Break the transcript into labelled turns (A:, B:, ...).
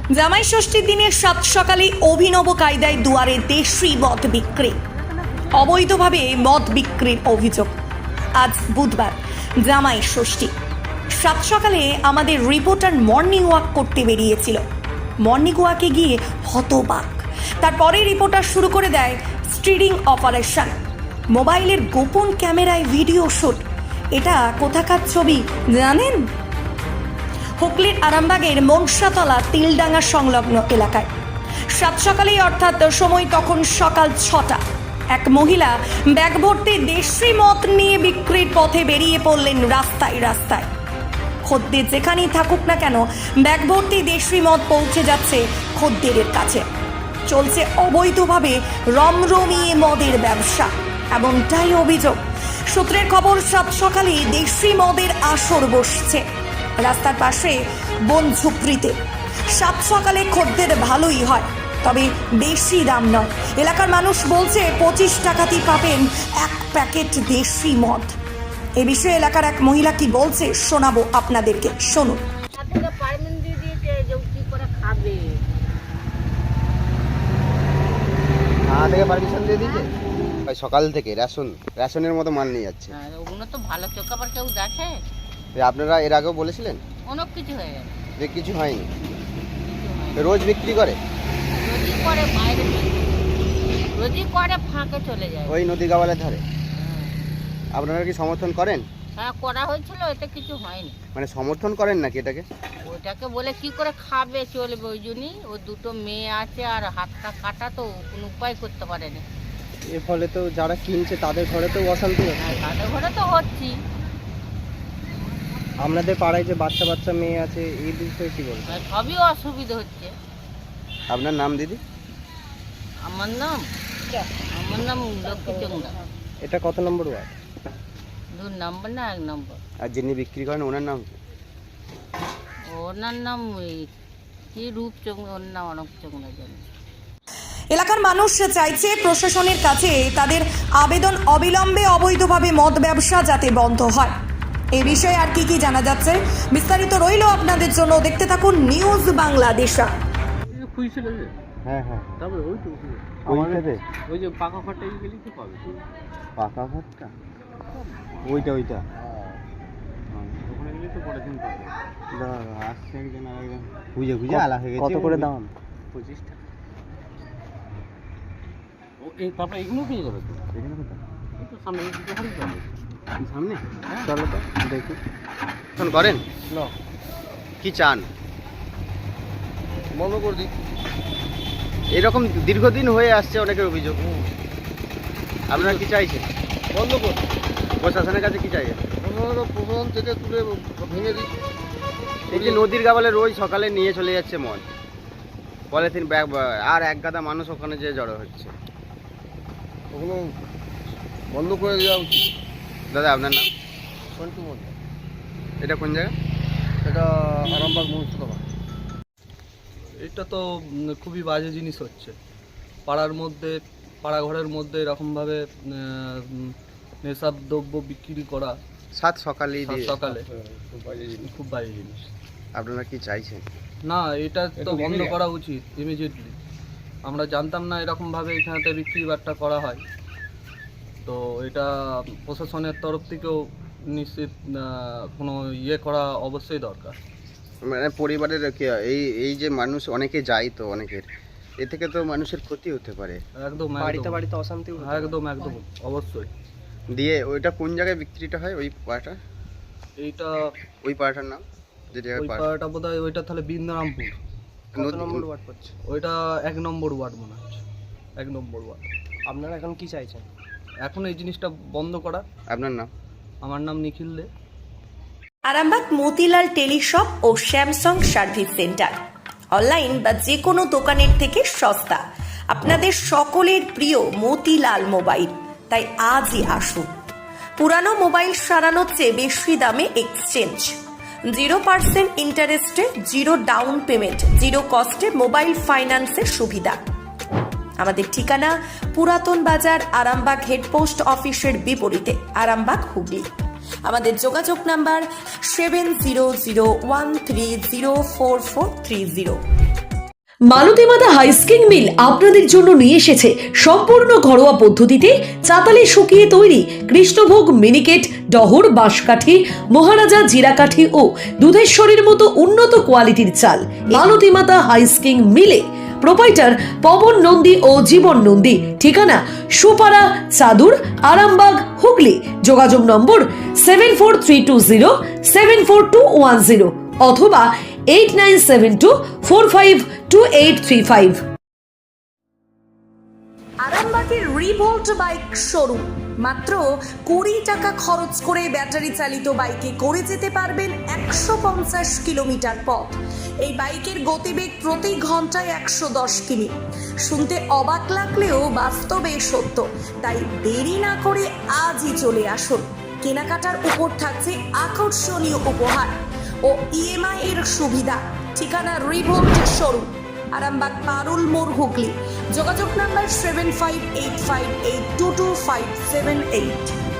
A: জামাই ষষ্ঠীর দিনের সাত সকালে অভিনব কায়দায় দুয়ারে দেশি মদ বিক্রি। অবৈধভাবে মদ বিক্রির অভিযোগ। আজ বুধবার জামাই ষষ্ঠী। সাত সকালে আমাদের রিপোর্টার মর্নিং ওয়াক করতে বেরিয়েছিল। মর্নিং ওয়াকে গিয়ে হতবাক। তারপরে রিপোর্টার শুরু করে দেয় স্টিরিং অপারেশন। মোবাইলের গোপন ক্যামেরায় ভিডিও শুট। এটা কোথাকার ছবি জানেন? হুগলির আরামবাগের মনসাতলা তিলডাঙ্গা সংলগ্ন এলাকায়। সাত সকালেই অর্থাৎ সময় তখন সকাল 6টা। এক মহিলা ব্যাগ ভর্তি দেশি মদ নিয়ে বিক্রির পথে বেরিয়ে পড়লেন রাস্তায় রাস্তায়। খদ্দের যেখানেই থাকুক না কেন, ব্যাগ ভর্তি দেশি মদ পৌঁছে যাচ্ছে খদ্দেরের কাছে। চলছে অবৈধভাবে রমরমিয়ে মদের ব্যবসা, এমনটাই অভিযোগ। সূত্রের খবর, সাত সকালে দেশি মদের আসর বসছে রাস্তার পাশে বন ঝুপড়িতে। সাত সকালে খদ্দের ভালোই হয়, তবে বেশি দাম নয়। এলাকার মানুষ বলছে 25 টাকাতেই পাবেন এক প্যাকেট দেশি মদ। এ বিষয়ে এলাকার এক মহিলা কি বলছে শোনাবো আপনাদেরকে, শুনুন।
B: পারমিশন দিয়ে দিয়েছে সকাল থেকে রেশনের মতো মাল নিয়ে যাচ্ছে।
C: ওগুলো তো ভালো চোখ আবার কেউ দেখে।
B: আপনারা এর আগেও বলেছিলেন
C: অনেক কিছু হয়ে গেছে,
B: যে কিছু হয়নি? রোজ বিক্রি করে?
C: রোজই করে, বাইরে রোজই করে, ফাঁকে চলে যায়।
B: ওই নদী গাওয়ালের ধারে। আপনারা কি সমর্থন করেন?
C: হ্যাঁ, করা হয়েছিল, এতে কিছু হয়নি।
B: মানে সমর্থন করেন নাকি এটাকে?
C: ওটাকে বলে কি করে খাবে, চলবে? ওই জন্যই ও দুটো মেয়ে আছে, আর হাতটা কাটা, তো কোনো উপায় করতে পারেনি।
D: এর ফলে তো যারা কিনছে তাদের ঘরে তো অশান্তি হচ্ছে।
C: হ্যাঁ, তাদের ঘরে তো হচ্ছি।
D: আপনাদের পাড়ায় যে বাচ্চা বাচ্চা মেয়ে আছে, এই বিষয়ে কি বলবেন?
C: সবই অসুবিধা হচ্ছে।
B: আপনার নাম দিদি?
C: আমার নাম লক্ষ্মী চোংরা।
D: এটা কত নম্বর ওয়ার্ড?
C: 2 নম্বর না 1 নম্বর।
B: আর যিনি বিক্রি করেন ওনার নাম কি?
C: ওনার নাম কি রূপ চোংরা, ওর নাম অনক চোংরা জানি।
A: এলাকার মানুষ চাইছে প্রশাসনের কাছে তাদের আবেদন অবিলম্বে অবৈধভাবে মদ ব্যবসা যাতে বন্ধ হয়। এ বিষয়ে আর কি জানা যাচ্ছে বিস্তারিত রইল আপনাদের জন্য, দেখতে থাকুন নিউজ বাংলাদেশা।
B: হ্যাঁ হ্যাঁ,
D: তারপরে ওই তো ওই যে পাকা ফাটাই গেলেই তো পাবে।
B: পাকা ভাতটা ওইটা
D: ওখানে গেলেই তো পরের দিন পাবে।
B: আসছে একজন আরেকজন খুঁজে খুঁজে আলা হয়ে গেছে।
D: কত করে দাম? 25 টাকা। ও এই তারপরে এগুলো পেয়ে যাবে তো।
B: এখানে কোথায়?
D: এই তো সামনে দিকে হারিয়ে যাবে।
B: সামনে
D: হ্যাঁ।
B: চলো তো দেখি। ফোন করেন
D: না,
B: কি চান?
D: বন্ধ করে দিই।
B: এরকম দীর্ঘদিন হয়ে আসছে অনেকের অভিযোগ। আপনারা কি চাইছেন?
D: বন্ধ কর।
B: প্রশাসনের কাছে কি চাইছেন?
D: প্রশাসন থেকে তুলে ভেঙে দিই।
B: এই যে নদীর গাবালে রোজ সকালে নিয়ে চলে যাচ্ছে মদ, পলিথিন ব্যাগ, আর এক গাদা মানুষ ওখানে যে জড়ো হচ্ছে।
D: ওগুলো বন্ধ করে দেওয়া উচিত।
B: দাদা আপনার নাম?
D: সন্টু মধ্যে।
B: এটা কোন জায়গা?
D: এটা আরামবাগ মনসাতলা।
E: এটা তো খুবই বাজে জিনিস হচ্ছে পাড়ার মধ্যে, পাড়া ঘরের মধ্যে এরকমভাবে নেশার দ্রব্য বিক্রি করা
B: সাত সকালে
E: সকালে খুব বাজে জিনিস।
B: আপনারা কি চাইছেন?
E: না, এটা তো বন্ধ করা উচিত ইমিডিয়েটলি। আমরা জানতাম না এরকমভাবে এখানেতে বিক্রি বাট্টা করা হয়, তো এটা প্রশাসনের তরফ থেকেও নিশ্চিত কোনো করা অবশ্যই দরকার।
B: মানে পরিবারের এই যে মানুষ অনেকে যায়, তো অনেকের এ থেকে তো মানুষের ক্ষতি হতে পারে।
E: একদম
D: বাড়িতে অশান্তি।
E: একদম অবশ্যই।
B: দিয়ে ওইটা কোন জায়গায় বিক্রিটা হয়? ওই পাড়াটা,
E: এইটা
B: ওই পাড়াটার নাম যে জায়গায়
E: ওই পাড়াটা বোধহয় ওইটা তাহলে বৃন্দারামপুর।
D: কত নম্বর ওয়ার্ড পড়ছে?
E: ওইটা 1 নম্বর ওয়ার্ড মনে হচ্ছে, 1 নম্বর ওয়ার্ড।
D: আপনারা এখন কি চাইছেন?
E: এখন এই জিনিসটা বন্ধ করা।
B: আপনার নাম?
E: আমার নাম নিখিল দে।
A: আরামবাগ মতিলাল টেলিশপ ও স্যামসাং সার্ভিস সেন্টার, অনলাইন বা যে কোনো দোকানের থেকে সস্তা। আপনাদের সকলের প্রিয় মতিলাল মোবাইল, তাই আজই আসুন। পুরানো মোবাইল সারানোর চেয়ে বেশি দামে এক্সচেঞ্জ, 0% ইন্টারেস্টে, 0 ডাউন পেমেন্ট, 0 কস্টে মোবাইল ফাইন্যান্সের সুবিধা। আমাদের ঠিকানা পুরাতন বাজার, আরামবাগ হেডপোস্ট অফিসের বিপরীতে, আরামবাগ, হুগলি। আমাদের যোগাযোগ নাম্বার 7001304430।
F: মালতীমাতা হাইস্কিং মিল আপনাদের জন্য নিয়ে এসেছে সম্পূর্ণ ঘরোয়া পদ্ধতিতে চাতালে শুকিয়ে তৈরি কৃষ্ণভোগ মিনিকেট, ডহর, বাঁশকাঠি, মহারাজা, জিরাকাঠি ও দুধেশ্বরীর মতো উন্নত কোয়ালিটির চাল। মালতীমাতা হাইস্কিং মিলে প্রোপাইটার পবন নন্দী ও জীবন নন্দী। ঠিকানা সুপারা, চাদুর, আরামবাগ, হুগলি। যোগাযোগ নম্বর 7432074210 অথবা 8972452835।
A: আরামবাগের রিভোল্ট বাইক শোরুম। মাত্র 20 টাকা খরচ করে ব্যাটারি চালিত বাইকে করে যেতে পারবেন 150 কিলোমিটার পথ। এই বাইকের গতিবেগ প্রতি ঘন্টায় 110 কিমি। শুনতে অবাক লাগলেও বাস্তবে সত্য, তাই দেরি না করে আজই চলে আসুন। কেনাকাটার উপর থাকছে আকর্ষণীয় উপহার ও ইএমআই এর সুবিধা। ঠিকানা রিভোল্ট শোরুম, আরামবাগ, পারুল মোড়, হুগলি। যোগাযোগ নাম্বার 7585822578।